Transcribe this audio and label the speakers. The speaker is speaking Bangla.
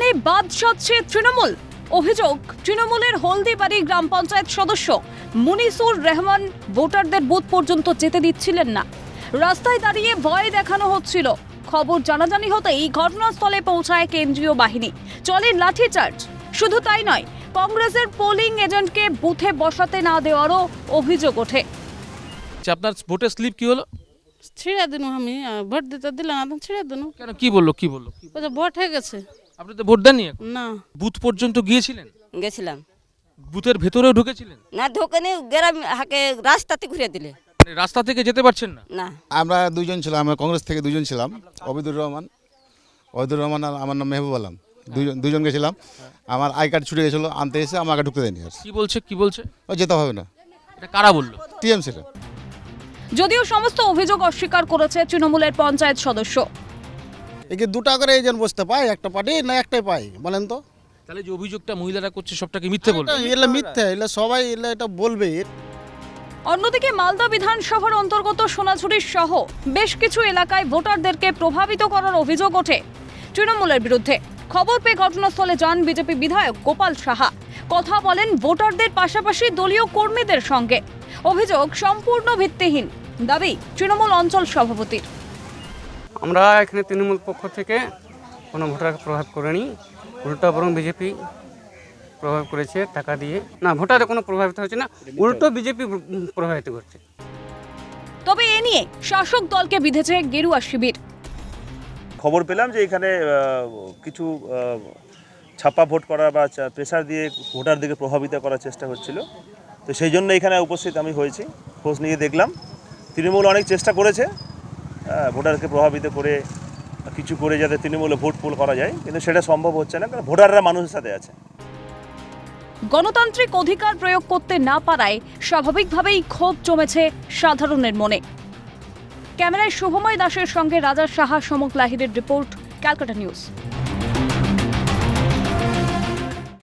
Speaker 1: তাহলে বাদ সাধছে তৃণমূল। অভিযোগ, তৃণমূলের হলদিবাড়ি গ্রাম পঞ্চায়েত সদস্য মুনিসুর রহমান ভোটারদের বুথ পর্যন্ত যেতে দিচ্ছিলেন না। রাস্তায় দাঁড়িয়ে ভয় দেখানো হচ্ছিল। খবর জানাজানি হতেই ঘটনাস্থলে পৌঁছায় কেন্দ্রীয় বাহিনী, চলে লাঠিচার্জ। শুধু তাই নয়, কংগ্রেসের পোলিং এজেন্টকে বুথে বসাতে না দেওয়ারও অভিযোগ ওঠে।
Speaker 2: আপনার ভোটের স্লিপ কি হলো?
Speaker 3: ছিঁড়ে দিন আমি ভোট দিতে দিলাম না, ছিঁড়ে দিন।
Speaker 2: কেন, কি বললো?
Speaker 3: ভোট হয়ে গেছে।
Speaker 2: আপনি তো ভোট দেননি এখন?
Speaker 3: না,
Speaker 2: বুথ পর্যন্ত গিয়েছিলেন?
Speaker 4: গেছিলাম
Speaker 2: বুথের ভেতরেও ঢুকেছিলেন?
Speaker 4: না, ঢোকেনি, গ্রাম হাকে রাস্তাতে ঘুরে দিলে।
Speaker 2: মানে রাস্তা থেকে যেতে পারছেন না?
Speaker 4: না,
Speaker 5: আমরা দুজন ছিলাম, আমরা কংগ্রেস থেকে দুজন ছিলাম, অবিদুর রহমান আর আমার নাম মেহবুব আলম। দুজন গেছিলাম। আমার আই কার্ড ছুটে গেছিলো, আনতে এসে আমাকে ঢুকতে দেয়নি। আর
Speaker 2: কি বলছে?
Speaker 5: ও যেতে হবে না।
Speaker 2: এটা কারা বললো?
Speaker 5: টিএমসিটা।
Speaker 1: যদিও সমস্ত অভিযোগ অস্বীকার করেছে তৃণমূলের পঞ্চায়েত সদস্য।
Speaker 6: একে দুটা করে এজেন্ট বসতে পায় একটা পার্টি, না একটাই পায় বলেন তো?
Speaker 2: তাহলে যে অভিযোগটা মহিলারা করছে সবটাকে মিথ্যে বলবে?
Speaker 6: এগুলো মিথ্যে, এগুলো সবাই এটা বলবে।
Speaker 1: অন্যদিকে মালদা বিধানসভার অন্তর্গত সোনাঝুরির সহ বেশ কিছু এলাকায় ভোটারদেরকে প্রভাবিত করার অভিযোগ ওঠে তৃণমূলের বিরুদ্ধে। খবর পেয়ে ঘটনাস্থলে যান বিজেপি বিধায়ক গোপাল সাহা। কথা বলেন ভোটারদের পাশাপাশি দলীয় কর্মীদের সঙ্গে। অভিযোগ সম্পূর্ণ ভিত্তিহীন, দাবি তৃণমূল অঞ্চল সভাপতির।
Speaker 7: আমরা এখানে তৃণমূল পক্ষ থেকে কোনো ভোটারকে প্রভাব করিনি, উল্টো বরং বিজেপি প্রভাব করেছে টাকা দিয়ে। না, ভোটারে কোনো প্রভাবিত হচ্ছে না, উল্টো বিজেপি প্রভাবিত করছে।
Speaker 1: তবে এ নিয়ে শাসক দলকে বিঁধেছে গেরুয়া শিবির।
Speaker 8: খবর পেলাম যে এখানে কিছু ছাপ্পা ভোট করা বা প্রেসার দিয়ে ভোটারদেরকে প্রভাবিত করার চেষ্টা হচ্ছিল। তো সেই জন্য এখানে উপস্থিত আমি হয়েছি, খোঁজ নিয়ে দেখলাম তৃণমূল অনেক চেষ্টা করেছে ভোটারকে প্রভাবিত করে কিছু করে যাতে তৃণমূলে ভোট পোল করা যায়, কিন্তু সেটা সম্ভব হচ্ছে না, কারণ ভোটাররা মানুষের সাথে আছে।
Speaker 1: গণতান্ত্রিক অধিকার প্রয়োগ করতে না পারায় স্বাভাবিকভাবেই ক্ষোভ জমেছে সাধারণের মনে। ক্যামেরায় শুভময় দাসের সঙ্গে রাজা সাহা, সমক লাহিরের রিপোর্ট, ক্যালকাটা নিউজ।